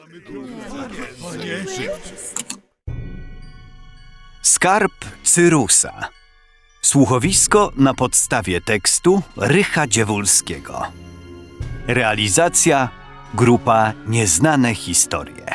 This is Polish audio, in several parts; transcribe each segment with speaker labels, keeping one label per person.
Speaker 1: Skarb Cyrusa. Słuchowisko na podstawie tekstu Rycha Dziewulskiego. Realizacja Grupa Nieznane Historie.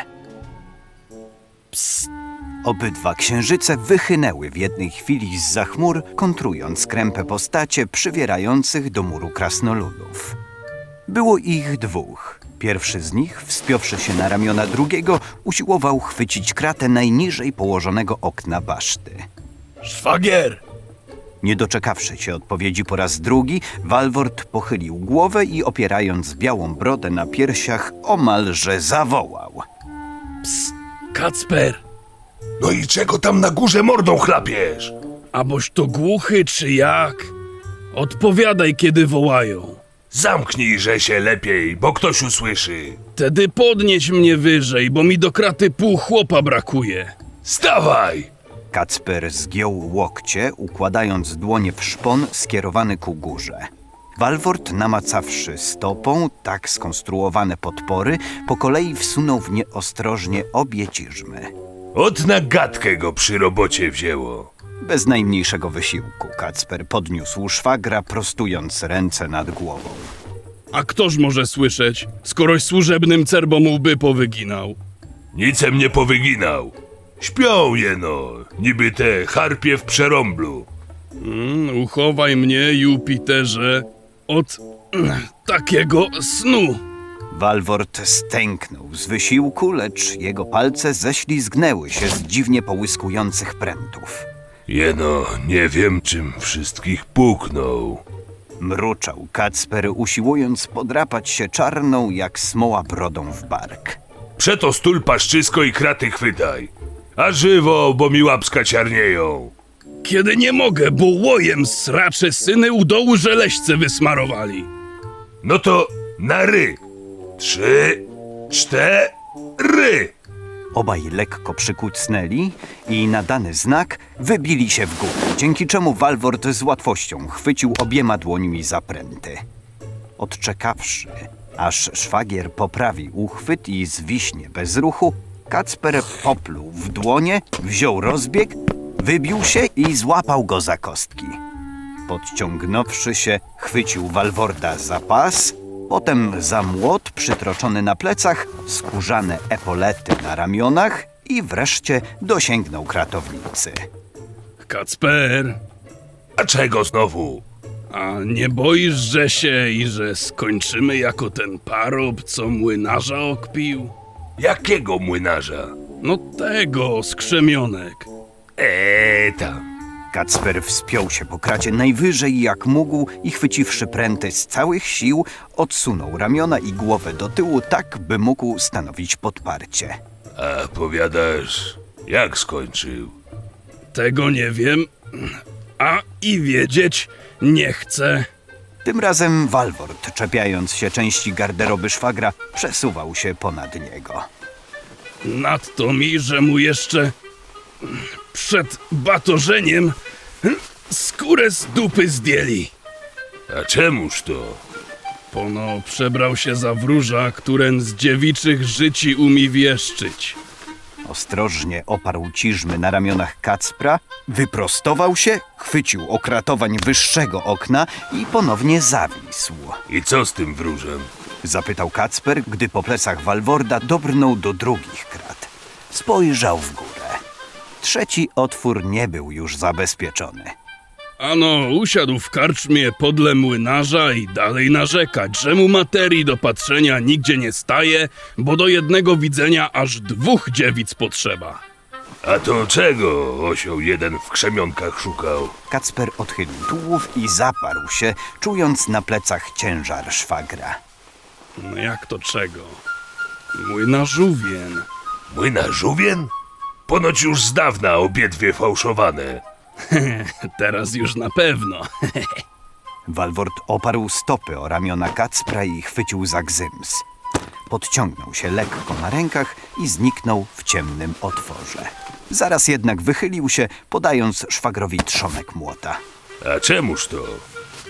Speaker 1: Psst. Obydwa księżyce wychynęły w jednej chwili zza chmur, kontrując krępe postacie przywierających do muru krasnoludów. Było ich dwóch. Pierwszy z nich, wspiąwszy się na ramiona drugiego, usiłował chwycić kratę najniżej położonego okna baszty.
Speaker 2: Szwagier!
Speaker 1: Nie doczekawszy się odpowiedzi po raz drugi, Walwort pochylił głowę i opierając białą brodę na piersiach, omalże zawołał.
Speaker 2: Psst, Kacper!
Speaker 3: No i czego tam na górze mordą chlapiesz?
Speaker 2: A boś to głuchy czy jak? Odpowiadaj, kiedy wołają.
Speaker 3: Zamknijże się lepiej, bo ktoś usłyszy.
Speaker 2: Tedy podnieś mnie wyżej, bo mi do kraty pół chłopa brakuje.
Speaker 3: Stawaj!
Speaker 1: Kacper zgiął łokcie, układając dłonie w szpon skierowany ku górze. Walwort, namacawszy stopą tak skonstruowane podpory, po kolei wsunął w nie ostrożnie obie ciżmy.
Speaker 3: Od na gadkę go przy robocie wzięło.
Speaker 1: Bez najmniejszego wysiłku Kacper podniósł szwagra, prostując ręce nad głową.
Speaker 2: A ktoż może słyszeć, skoroś służebnym cerbom łby powyginał?
Speaker 3: Nicem nie powyginał. Śpią jeno, niby te harpie w przerąblu.
Speaker 2: Uchowaj mnie, Jupiterze, od takiego snu.
Speaker 1: Walwort stęknął z wysiłku, lecz jego palce ześlizgnęły się z dziwnie połyskujących prętów.
Speaker 3: Jeno, nie wiem, czym wszystkich puknął.
Speaker 1: Mruczał Kacper, usiłując podrapać się czarną jak smoła brodą w bark.
Speaker 3: Przeto stul paszczysko i kraty chwytaj. A żywo, bo mi łapska ciarnieją.
Speaker 2: Kiedy nie mogę, bo łojem sracze syny u dołu żeleśce wysmarowali.
Speaker 3: No to na ry. 3, 4.
Speaker 1: Obaj lekko przykucnęli i na dany znak wybili się w górę, dzięki czemu Walwort z łatwością chwycił obiema dłońmi za pręty. Odczekawszy, aż szwagier poprawi uchwyt i zwiśnie bez ruchu, Kacper popluł w dłonie, wziął rozbieg, wybił się i złapał go za kostki. Podciągnąwszy się, chwycił Walworda za pas, potem za młot przytroczony na plecach, skórzane epolety na ramionach i wreszcie dosięgnął kratownicy.
Speaker 2: Kacper,
Speaker 3: A czego znowu?
Speaker 2: a nie boisz, że się i że skończymy jako ten parób, co młynarza okpił?
Speaker 3: Jakiego młynarza?
Speaker 2: No tego, z krzemionek.
Speaker 3: Tam.
Speaker 1: Kacper wspiął się po kracie najwyżej jak mógł i chwyciwszy pręty z całych sił, odsunął ramiona i głowę do tyłu tak, by mógł stanowić podparcie.
Speaker 3: A powiadasz, jak skończył?
Speaker 2: Tego nie wiem, a i wiedzieć nie chcę.
Speaker 1: Tym razem Walwort, czepiając się części garderoby szwagra, przesuwał się ponad niego.
Speaker 2: Nadto mi, że mu jeszcze przed batorzeniem skórę z dupy zdjęli.
Speaker 3: A czemuż to?
Speaker 2: Pono przebrał się za wróża, któren z dziewiczych życi umie wieszczyć.
Speaker 1: Ostrożnie oparł ciżmy na ramionach Kacpra, wyprostował się, chwycił okratowań wyższego okna i ponownie zawisł.
Speaker 3: I co z tym wróżem?
Speaker 1: Zapytał Kacper, gdy po plecach Walworda dobrnął do drugich krat. Spojrzał w górę. Trzeci otwór nie był już zabezpieczony.
Speaker 2: Ano, usiadł w karczmie podle młynarza i dalej narzekać, że mu materii do patrzenia nigdzie nie staje, bo do jednego widzenia aż 2 dziewic potrzeba.
Speaker 3: A to czego osioł jeden w krzemionkach szukał?
Speaker 1: Kacper odchylił tułów i zaparł się, czując na plecach ciężar szwagra.
Speaker 2: No jak to czego? Młynarzówien.
Speaker 3: Młynarzówien? Ponoć już z dawna obiedwie fałszowane.
Speaker 2: Teraz już na pewno.
Speaker 1: Walwort oparł stopy o ramiona Kacpra i chwycił za gzyms. Podciągnął się lekko na rękach i zniknął w ciemnym otworze. Zaraz jednak wychylił się, podając szwagrowi trzonek młota.
Speaker 3: A czemuż to?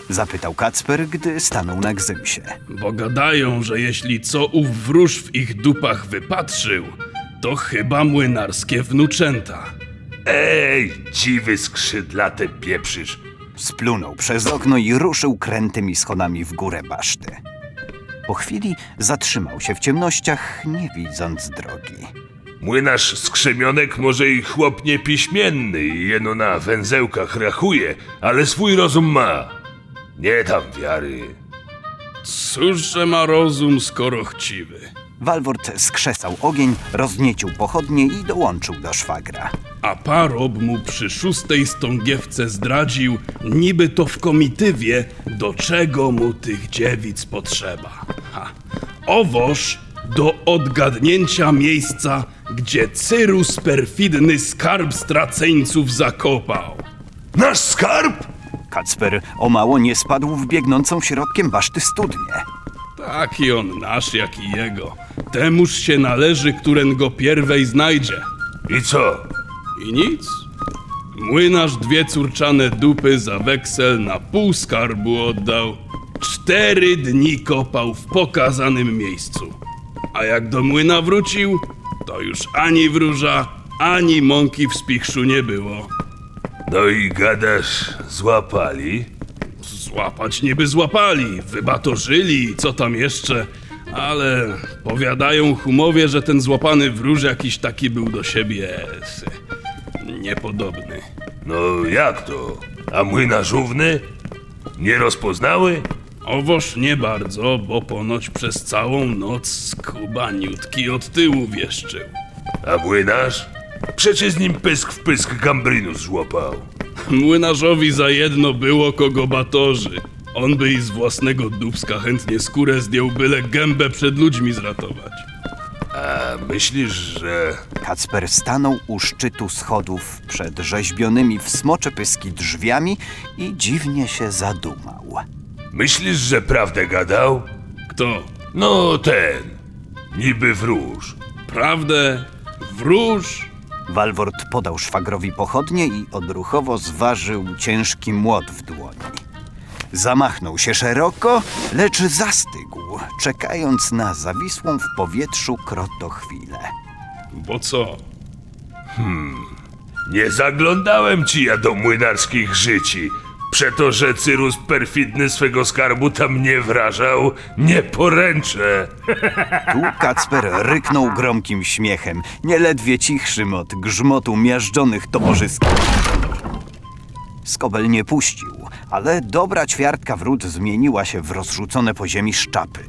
Speaker 1: Zapytał Kacper, gdy stanął na gzymsie.
Speaker 2: Bo gadają, że jeśli co ów wróż w ich dupach wypatrzył, to chyba młynarskie wnuczęta.
Speaker 3: Ej, dziwy skrzydlate pieprzysz.
Speaker 1: Splunął przez okno i ruszył krętymi schodami w górę baszty. Po chwili zatrzymał się w ciemnościach, nie widząc drogi.
Speaker 3: Młynarz skrzemionek może i chłop niepiśmienny i jeno na węzełkach rachuje, ale swój rozum ma. Nie tam wiary.
Speaker 2: Cóż, że ma rozum, skoro chciwy.
Speaker 1: Walwort skrzesał ogień, rozniecił pochodnie i dołączył do szwagra.
Speaker 2: A parob mu przy 6. stągiewce zdradził, niby to w komitywie, do czego mu tych dziewic potrzeba. Owoż do odgadnięcia miejsca, gdzie Cyrus perfidny skarb straceńców zakopał.
Speaker 3: Nasz skarb?
Speaker 1: Kacper o mało nie spadł w biegnącą środkiem baszty studnię.
Speaker 2: Taki on nasz, jak i jego. Temuż się należy, któren go pierwej znajdzie.
Speaker 3: I co?
Speaker 2: I nic. Młynarz 2 córczane dupy za weksel na pół skarbu oddał. 4 dni kopał w pokazanym miejscu. A jak do młyna wrócił, to już ani wróża, ani mąki w spichrzu nie było.
Speaker 3: No i gadasz, złapali?
Speaker 2: Złapać niby złapali, wybatorzyli, co tam jeszcze, ale powiadają humowie, że ten złapany wróż jakiś taki był do siebie niepodobny.
Speaker 3: No jak to? A młynarz równy? Nie rozpoznały?
Speaker 2: Owoż nie bardzo, bo ponoć przez całą noc skubaniutki od tyłu wieszczył.
Speaker 3: A młynarz? Przecie z nim pysk w pysk gambrinus złapał.
Speaker 2: Młynarzowi za jedno było kogo batorzy. On by i z własnego dubska chętnie skórę zdjął, byle gębę przed ludźmi zratować.
Speaker 3: A myślisz, że...
Speaker 1: Kacper stanął u szczytu schodów przed rzeźbionymi w smocze pyski drzwiami i dziwnie się zadumał.
Speaker 3: Myślisz, że prawdę gadał?
Speaker 2: Kto?
Speaker 3: No ten. Niby wróż.
Speaker 2: Prawdę? Wróż?
Speaker 1: Walwort podał szwagrowi pochodnie i odruchowo zważył ciężki młot w dłoni. Zamachnął się szeroko, lecz zastygł, czekając na zawisłą w powietrzu krotochwilę.
Speaker 2: Bo co?
Speaker 3: Nie zaglądałem ci ja do młynarskich życi. Przeto, że Cyrus perfidny swego skarbu tam nie wrażał, nie poręczę.
Speaker 1: Tu Kacper ryknął gromkim śmiechem, nieledwie cichszym od grzmotu miażdżonych toporzyskich. Skobel nie puścił, ale dobra ćwiartka wrót zmieniła się w rozrzucone po ziemi szczapy.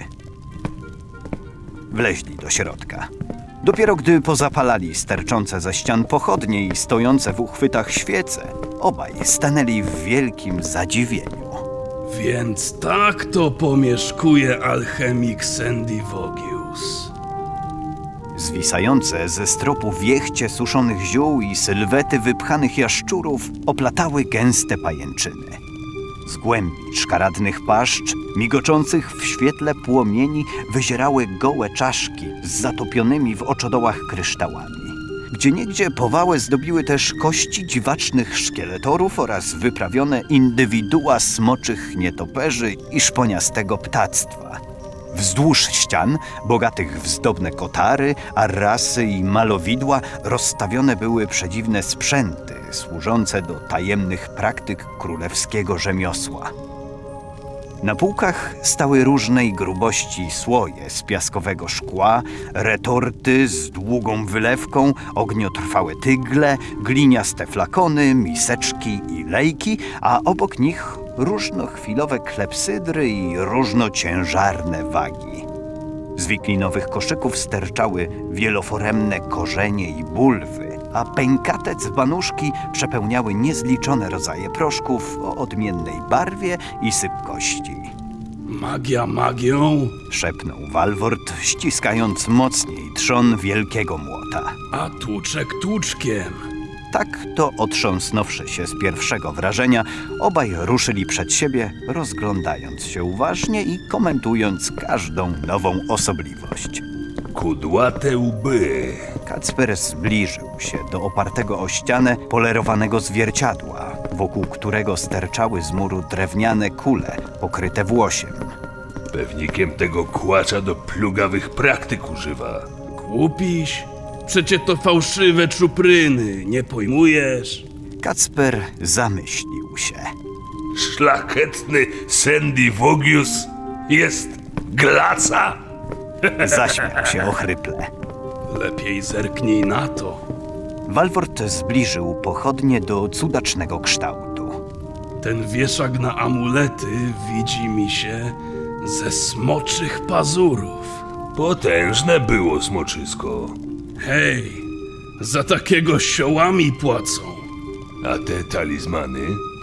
Speaker 1: Wleźli do środka. Dopiero gdy pozapalali sterczące ze ścian pochodnie i stojące w uchwytach świece, obaj stanęli w wielkim zadziwieniu.
Speaker 2: Więc tak to pomieszkuje alchemik Sandy Vogius.
Speaker 1: Zwisające ze stropu wiechcie suszonych ziół i sylwety wypchanych jaszczurów oplatały gęste pajęczyny. Z głębi szkaradnych paszcz, migoczących w świetle płomieni, wyzierały gołe czaszki z zatopionymi w oczodołach kryształami. Gdzieniegdzie powałę zdobiły też kości dziwacznych szkieletorów oraz wyprawione indywidua smoczych nietoperzy i szponiastego ptactwa. Wzdłuż ścian, bogatych w zdobne kotary, arrasy i malowidła, rozstawione były przedziwne sprzęty służące do tajemnych praktyk królewskiego rzemiosła. Na półkach stały różnej grubości słoje z piaskowego szkła, retorty z długą wylewką, ogniotrwałe tygle, gliniaste flakony, miseczki i lejki, a obok nich różnochwilowe klepsydry i różnociężarne wagi. Z wiklinowych koszyków sterczały wieloforemne korzenie i bulwy, a pękate dzbanuszki przepełniały niezliczone rodzaje proszków o odmiennej barwie i sypkości.
Speaker 2: Magia magią,
Speaker 1: Szepnął Walwort, ściskając mocniej trzon wielkiego młota.
Speaker 2: a tłuczek tłuczkiem.
Speaker 1: Tak to otrząsnąwszy się z pierwszego wrażenia, obaj ruszyli przed siebie, rozglądając się uważnie i komentując każdą nową osobliwość.
Speaker 3: Kudłate łby.
Speaker 1: Kacper zbliżył się do opartego o ścianę polerowanego zwierciadła, wokół którego sterczały z muru drewniane kule pokryte włosiem.
Speaker 3: Pewnikiem tego kłacza do plugawych praktyk używa.
Speaker 2: Głupiś? Przecie to fałszywe czupryny, nie pojmujesz?
Speaker 1: Kacper zamyślił się.
Speaker 3: Szlachetny Sandy Vogius jest glaca?
Speaker 1: Zaśmiał się ochryple.
Speaker 2: Lepiej zerknij na to.
Speaker 1: Walwort zbliżył pochodnie do cudacznego kształtu.
Speaker 2: Ten wieszak na amulety widzi mi się ze smoczych pazurów.
Speaker 3: Potężne było smoczysko.
Speaker 2: Hej, za takiego siołami płacą.
Speaker 3: A te talizmany?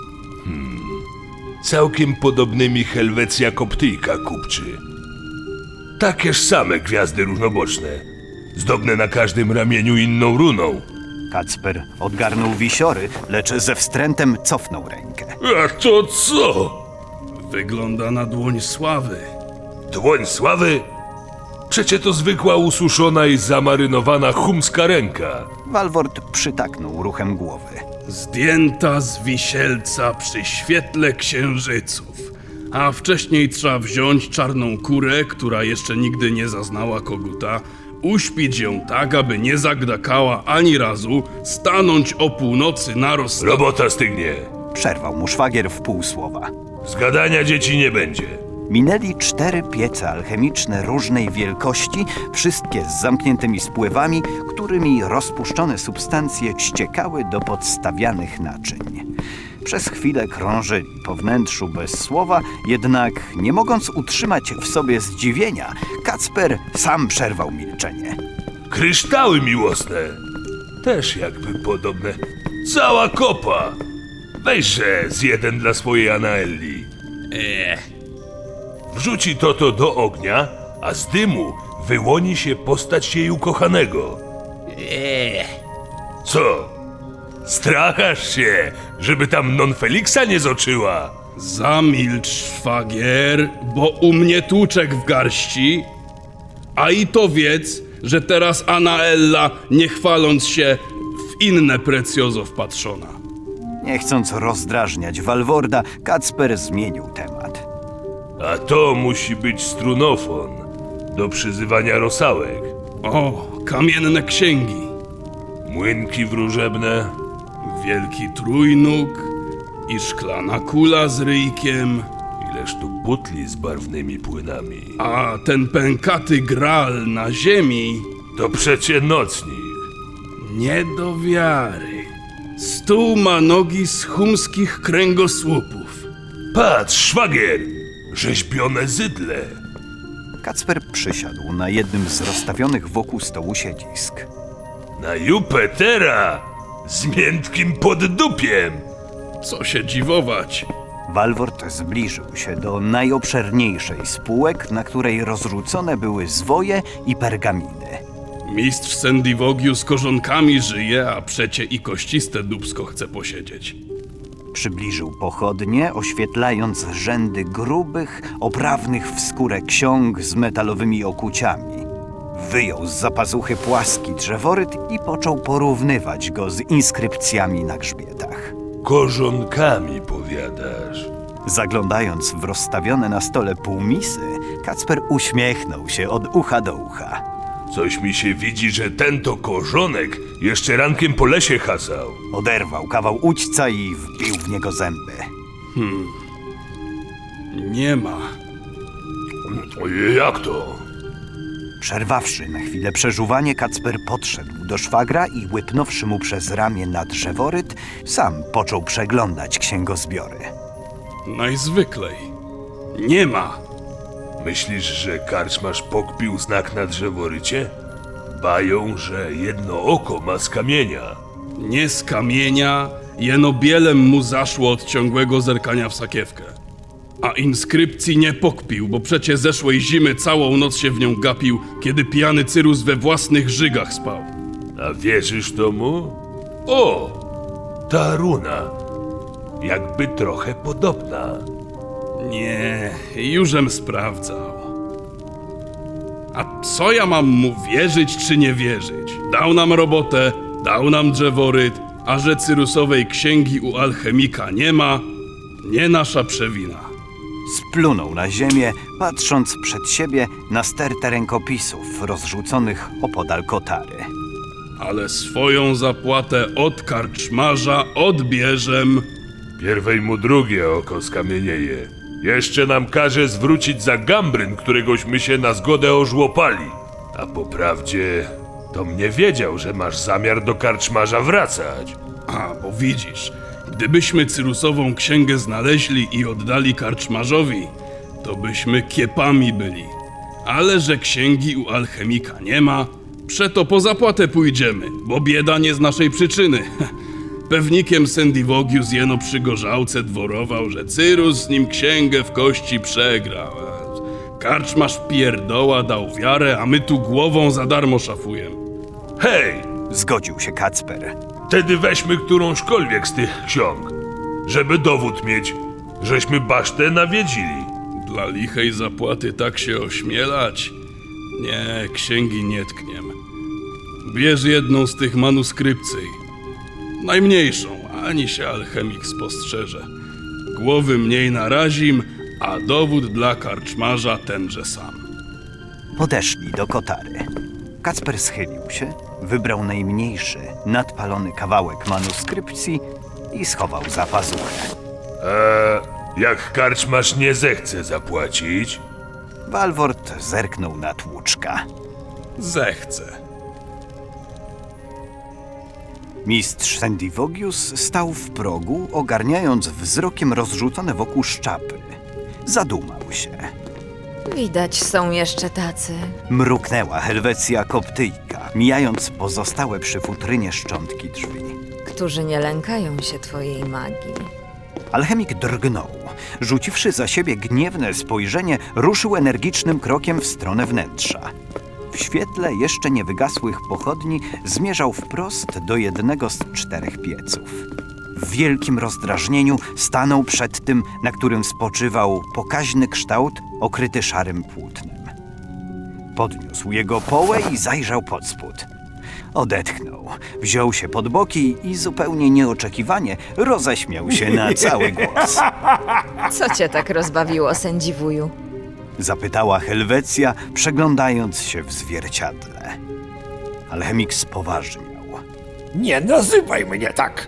Speaker 3: Całkiem podobnymi Helwecja Koptyjka kupczy. Takież same gwiazdy różnoboczne. Zdobne na każdym ramieniu inną runą.
Speaker 1: Kacper odgarnął wisiory, lecz ze wstrętem cofnął rękę.
Speaker 3: A to co?
Speaker 2: Wygląda na dłoń sławy.
Speaker 3: Dłoń sławy? Przecie to zwykła ususzona i zamarynowana chumska ręka.
Speaker 1: Walwort przytaknął ruchem głowy.
Speaker 2: Zdjęta z wisielca przy świetle księżyców. A wcześniej trzeba wziąć czarną kurę, która jeszcze nigdy nie zaznała koguta, uśpić ją tak, aby nie zagdakała ani razu, stanąć o północy na
Speaker 3: Robota stygnie.
Speaker 1: Przerwał mu szwagier w pół słowa.
Speaker 3: Zgadania dzieci nie będzie.
Speaker 1: Minęli 4 piece alchemiczne różnej wielkości, wszystkie z zamkniętymi spływami, którymi rozpuszczone substancje ściekały do podstawianych naczyń. Przez chwilę krążyli po wnętrzu bez słowa, jednak nie mogąc utrzymać w sobie zdziwienia, Kacper sam przerwał milczenie.
Speaker 3: Kryształy miłosne. Też jakby podobne. Cała kopa. Weźże z jeden dla swojej Anaelli. Wrzuci to do ognia, a z dymu wyłoni się postać jej ukochanego. Co? Strachasz się, żeby tam non Felixa nie zoczyła?
Speaker 2: Zamilcz, szwagier, bo u mnie tłuczek w garści. A i to wiedz, że teraz Anaella, nie chwaląc się, w inne precjozo wpatrzona.
Speaker 1: Nie chcąc rozdrażniać Walworda, Kacper zmienił temat.
Speaker 3: A to musi być strunofon do przyzywania rosałek.
Speaker 2: O, kamienne księgi,
Speaker 3: Młynki wróżebne.
Speaker 2: wielki trójnóg i szklana kula z ryjkiem,
Speaker 3: Ileż tu butli z barwnymi płynami.
Speaker 2: a ten pękaty gral na ziemi,
Speaker 3: To przecie nocnik.
Speaker 2: nie do wiary. Stół ma nogi z chumskich kręgosłupów.
Speaker 3: Patrz, szwagier! Rzeźbione zydle.
Speaker 1: Kacper przysiadł na jednym z rozstawionych wokół stołu siedzisk.
Speaker 3: Na Jupitera! Z miętkim poddupiem!
Speaker 2: Co się dziwować?
Speaker 1: Walwort zbliżył się do najobszerniejszej z półek, na której rozrzucone były zwoje i pergaminy.
Speaker 2: Mistrz Sendivogiu z korzonkami żyje, a przecie i kościste dubsko chce posiedzieć.
Speaker 1: Przybliżył pochodnie, oświetlając rzędy grubych, oprawnych w skórę ksiąg z metalowymi okuciami. Wyjął z zapazuchy płaski drzeworyt i począł porównywać go z inskrypcjami na grzbietach.
Speaker 3: Korzonkami powiadasz.
Speaker 1: Zaglądając w rozstawione na stole półmisy, Kacper uśmiechnął się od ucha do ucha.
Speaker 3: Coś mi się widzi, że ten to korzonek jeszcze rankiem po lesie hasał.
Speaker 1: Oderwał kawał udźca i wbił w niego zęby.
Speaker 2: Nie ma.
Speaker 3: Jak to?
Speaker 1: Przerwawszy na chwilę przeżuwanie, Kacper podszedł do szwagra i łypnąwszy mu przez ramię na drzeworyt, sam począł przeglądać księgozbiory.
Speaker 2: Najzwyklej. Nie ma.
Speaker 3: Myślisz, że karczmarz pokpił znak na drzeworycie? Bają, że jedno oko ma z kamienia.
Speaker 2: Nie z kamienia, jeno bielem mu zaszło od ciągłego zerkania w sakiewkę. A inskrypcji nie pokpił, bo przecie zeszłej zimy całą noc się w nią gapił, kiedy pijany Cyrus we własnych żygach spał.
Speaker 3: A wierzysz tomu? O! Ta runa. Jakby trochę podobna.
Speaker 2: Nie, jużem sprawdzał. A co ja mam mu wierzyć czy nie wierzyć? Dał nam robotę, dał nam drzeworyt, A że Cyrusowej księgi u alchemika nie ma, nie nasza przewina.
Speaker 1: Splunął na ziemię, patrząc przed siebie na stertę rękopisów rozrzuconych opodal kotary.
Speaker 2: Ale swoją zapłatę od karczmarza odbierzem.
Speaker 3: Pierwej mu drugie oko skamienieje. Jeszcze nam każe zwrócić za gambryn, któregośmy się na zgodę ożłopali. A po prawdzie, to mnie wiedział, że masz zamiar do karczmarza wracać.
Speaker 2: A, bo widzisz, gdybyśmy Cyrusową księgę znaleźli i oddali karczmarzowi, to byśmy kiepami byli. Ale że księgi u alchemika nie ma, przeto po zapłatę pójdziemy, bo bieda nie z naszej przyczyny. Pewnikiem Sendivogius jeno przy gorzałce dworował, że Cyrus z nim księgę w kości przegrał. Karczmarz pierdoła dał wiarę, a my tu głową za darmo szafujemy.
Speaker 3: Hej,
Speaker 1: Zgodził się Kacper.
Speaker 3: wtedy weźmy którąśkolwiek z tych ksiąg, żeby dowód mieć, żeśmy basztę nawiedzili.
Speaker 2: Dla lichej zapłaty tak się ośmielać? Nie, księgi nie tkniem. Bierz jedną z tych manuskrypcji. Najmniejszą, ani się alchemik spostrzeże. Głowy mniej narazim, a dowód dla karczmarza tenże sam.
Speaker 1: Podeszli do kotary. Kacper schylił się, wybrał najmniejszy, nadpalony kawałek manuskrypcji i schował za pazuchę.
Speaker 3: Jak karczmarz nie zechce zapłacić,
Speaker 1: Walwort zerknął na tłuczka.
Speaker 2: Zechce.
Speaker 1: Mistrz Sendivogius stał w progu, ogarniając wzrokiem rozrzucone wokół szczapy. Zadumał się.
Speaker 4: Widać są jeszcze tacy.
Speaker 1: Mruknęła Helwecja Koptyjka, mijając pozostałe przy futrynie szczątki drzwi.
Speaker 4: Którzy nie lękają się twojej magii.
Speaker 1: Alchemik drgnął. Rzuciwszy za siebie gniewne spojrzenie, ruszył energicznym krokiem w stronę wnętrza. W świetle jeszcze nie wygasłych pochodni zmierzał wprost do jednego z 4 pieców. W wielkim rozdrażnieniu stanął przed tym, na którym spoczywał pokaźny kształt okryty szarym płótnem. Podniósł jego połę i zajrzał pod spód. Odetchnął, wziął się pod boki i zupełnie nieoczekiwanie roześmiał się na cały głos.
Speaker 4: Co cię tak rozbawiło, sędziwuju?
Speaker 1: Zapytała Helwecja, przeglądając się w zwierciadle. Alchemik spoważniał.
Speaker 5: Nie nazywaj mnie tak!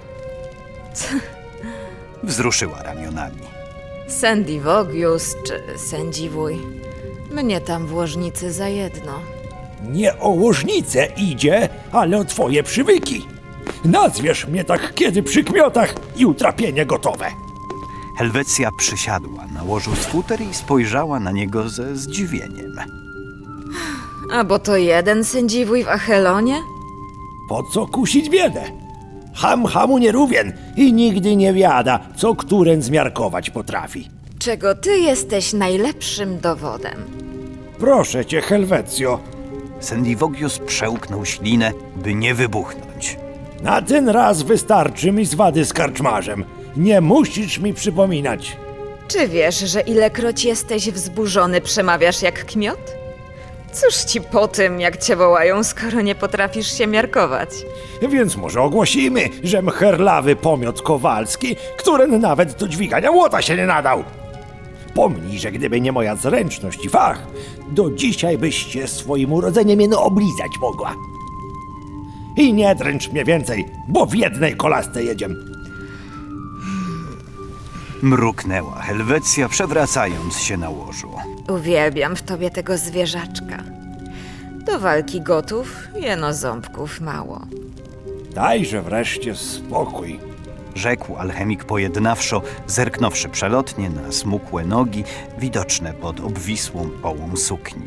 Speaker 1: Wzruszyła ramionami.
Speaker 4: Sendivogius czy sędziwuj? Mnie tam w łożnicy za jedno.
Speaker 5: Nie o łożnicę idzie, ale o twoje przywyki. Nazwiesz mnie tak kiedy przy kmiotach i utrapienie gotowe.
Speaker 1: Helwecja przysiadła na łożu z futer i spojrzała na niego ze zdziwieniem.
Speaker 4: A bo to jeden sędziwuj w Achelonie?
Speaker 5: Po co kusić biedę? Ham hamu nie rówien i nigdy nie wiada, co któren zmiarkować potrafi.
Speaker 4: Czego ty jesteś najlepszym dowodem.
Speaker 5: Proszę cię, Helwecjo,
Speaker 1: Sendivogius przełknął ślinę, by nie wybuchnąć.
Speaker 5: na ten raz wystarczy mi zwady z karczmarzem. Nie musisz mi przypominać.
Speaker 4: Czy wiesz, że ilekroć jesteś wzburzony, przemawiasz jak kmiot? Cóż ci po tym, jak cię wołają, skoro nie potrafisz się miarkować?
Speaker 5: Więc może ogłosimy, że mcherlawy pomiot Kowalski, który nawet do dźwigania łota się nie nadał. Pomnij, że gdyby nie moja zręczność i fach, do dzisiaj byście swoim urodzeniem jeno oblizać mogła. I nie dręcz mnie więcej, bo w jednej kolasce jedziemy.
Speaker 1: Mruknęła Helwecja, przewracając się na łożu.
Speaker 4: Uwielbiam w tobie tego zwierzaczka. Do walki gotów, jeno ząbków mało.
Speaker 5: Dajże wreszcie spokój.
Speaker 1: Rzekł alchemik pojednawczo, zerknąwszy przelotnie na smukłe nogi, widoczne pod obwisłą połą sukni.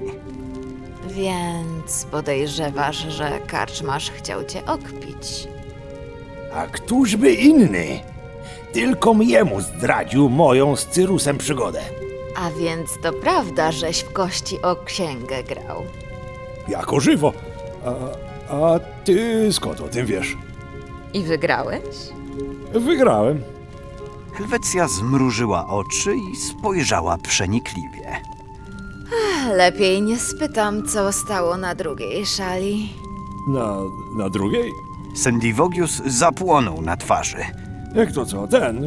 Speaker 4: Więc podejrzewasz, że karczmarz chciał cię okpić.
Speaker 5: A któż by inny? Tylko jemu zdradził moją z Cyrusem przygodę.
Speaker 4: A więc to prawda, żeś w kości o księgę grał.
Speaker 5: Jako żywo. A ty skąd o tym wiesz?
Speaker 4: I wygrałeś?
Speaker 5: Wygrałem.
Speaker 1: Helwecja zmrużyła oczy i spojrzała przenikliwie.
Speaker 4: Lepiej nie spytam, co stało na drugiej szali.
Speaker 5: Na drugiej?
Speaker 1: Sendivogius zapłonął na twarzy.
Speaker 5: Jak to co?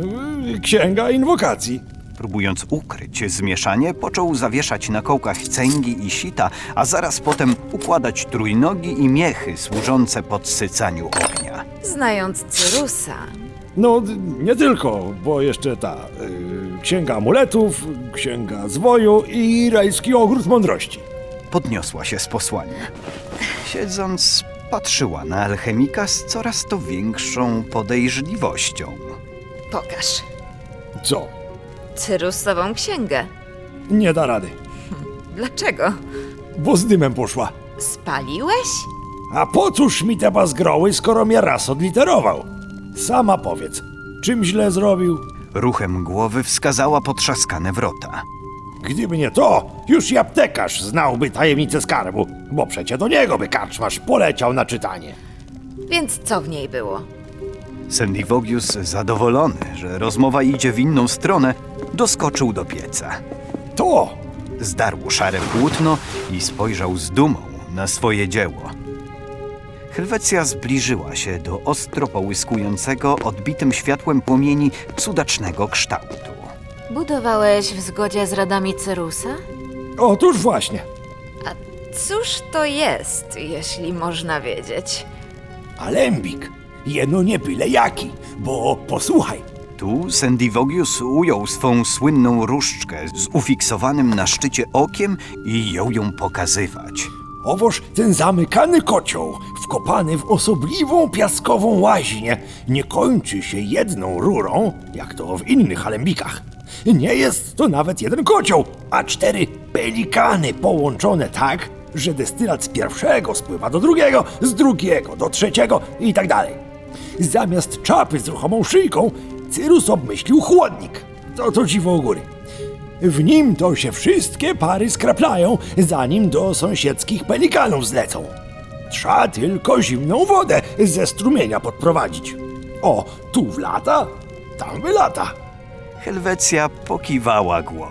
Speaker 5: Księga inwokacji.
Speaker 1: Próbując ukryć zmieszanie, począł zawieszać na kołkach cęgi i sita, a zaraz potem układać trójnogi i miechy służące podsycaniu ognia.
Speaker 4: Znając Cyrusa,
Speaker 5: No, nie tylko, bo jeszcze księga amuletów, księga zwoju i rajski ogród mądrości.
Speaker 1: Podniosła się z posłania. Siedząc, patrzyła na alchemika z coraz to większą podejrzliwością.
Speaker 4: pokaż.
Speaker 5: Co?
Speaker 4: Cyrusową księgę.
Speaker 5: Nie da rady,
Speaker 4: Dlaczego?
Speaker 5: bo z dymem poszła.
Speaker 4: Spaliłeś?
Speaker 5: A po cóż mi te bazgroły, skoro mnie raz odliterował? Sama powiedz, czym źle zrobił?
Speaker 1: Ruchem głowy wskazała potrzaskane wrota.
Speaker 5: Gdyby nie to, już i aptekarz znałby tajemnicę skarbu, bo przecie do niego by karczmarz poleciał na czytanie.
Speaker 4: Więc co w niej było?
Speaker 1: Sendivogius, zadowolony, że rozmowa idzie w inną stronę, doskoczył do pieca.
Speaker 5: To!
Speaker 1: Zdarł szare płótno i spojrzał z dumą na swoje dzieło. Helwecja zbliżyła się do ostro połyskującego, odbitym światłem płomieni cudacznego kształtu.
Speaker 4: Budowałeś w zgodzie z radami Cyrusa?
Speaker 5: Otóż właśnie.
Speaker 4: A cóż to jest, jeśli można wiedzieć?
Speaker 5: Alembik, jeno nie byle jaki, bo posłuchaj.
Speaker 1: Tu Sendivogius ujął swą słynną różdżkę z ufiksowanym na szczycie okiem i jął ją pokazywać.
Speaker 5: Owoż ten zamykany kocioł, wkopany w osobliwą piaskową łaźnię, nie kończy się jedną rurą, jak to w innych alembikach. Nie jest to nawet jeden kocioł, a 4 pelikany połączone tak, że destylat z pierwszego spływa do drugiego, z drugiego do trzeciego i tak dalej. Zamiast czapy z ruchomą szyjką, Cyrus obmyślił chłodnik. To dziwo u góry. W nim to się wszystkie pary skraplają, zanim do sąsiedzkich pelikanów zlecą. Trzeba tylko zimną wodę ze strumienia podprowadzić. O, tu wlata, tam wylata.
Speaker 1: Helwecja pokiwała głową.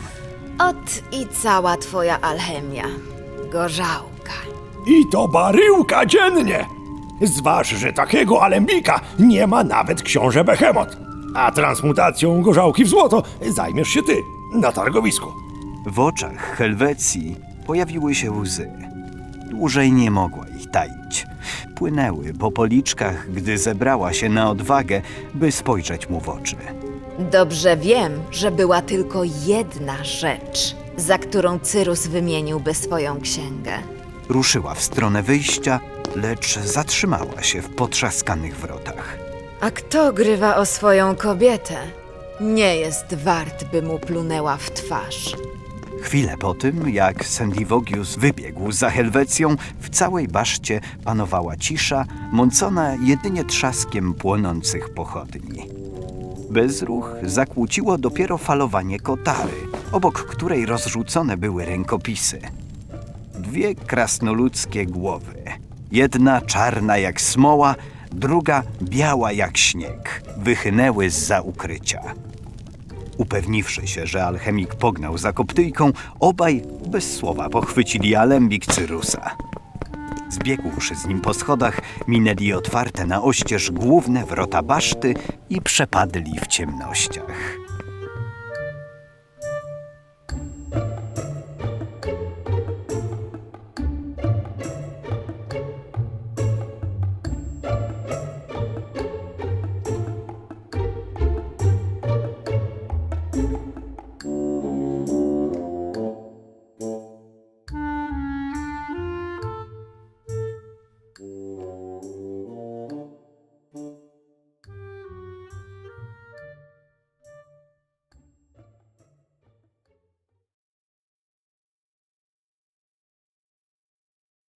Speaker 4: Ot i cała twoja alchemia. Gorzałka.
Speaker 5: I to baryłka dziennie. Zważ, że takiego alembika nie ma nawet książę Behemot. A transmutacją gorzałki w złoto zajmiesz się ty na targowisku.
Speaker 1: W oczach Helwecji pojawiły się łzy. Dłużej nie mogła ich taić. Płynęły po policzkach, gdy zebrała się na odwagę, by spojrzeć mu w oczy.
Speaker 4: Dobrze wiem, że była tylko jedna rzecz, za którą Cyrus wymieniłby swoją księgę.
Speaker 1: Ruszyła w stronę wyjścia, lecz zatrzymała się w potrzaskanych wrotach.
Speaker 4: A kto grywa o swoją kobietę, nie jest wart, by mu plunęła w twarz.
Speaker 1: Chwilę po tym, jak Sendivogius wybiegł za Helwecją, w całej baszcie panowała cisza, mącona jedynie trzaskiem płonących pochodni. Bezruch zakłóciło dopiero falowanie kotary, obok której rozrzucone były rękopisy. 2 krasnoludzkie głowy. Jedna czarna jak smoła, druga biała jak śnieg, wychynęły zza ukrycia. Upewniwszy się, że alchemik pognał za koptyjką, obaj bez słowa pochwycili alembik Cyrusa. Zbiegłszy z nim po schodach, minęli otwarte na oścież główne wrota baszty i przepadli w ciemnościach.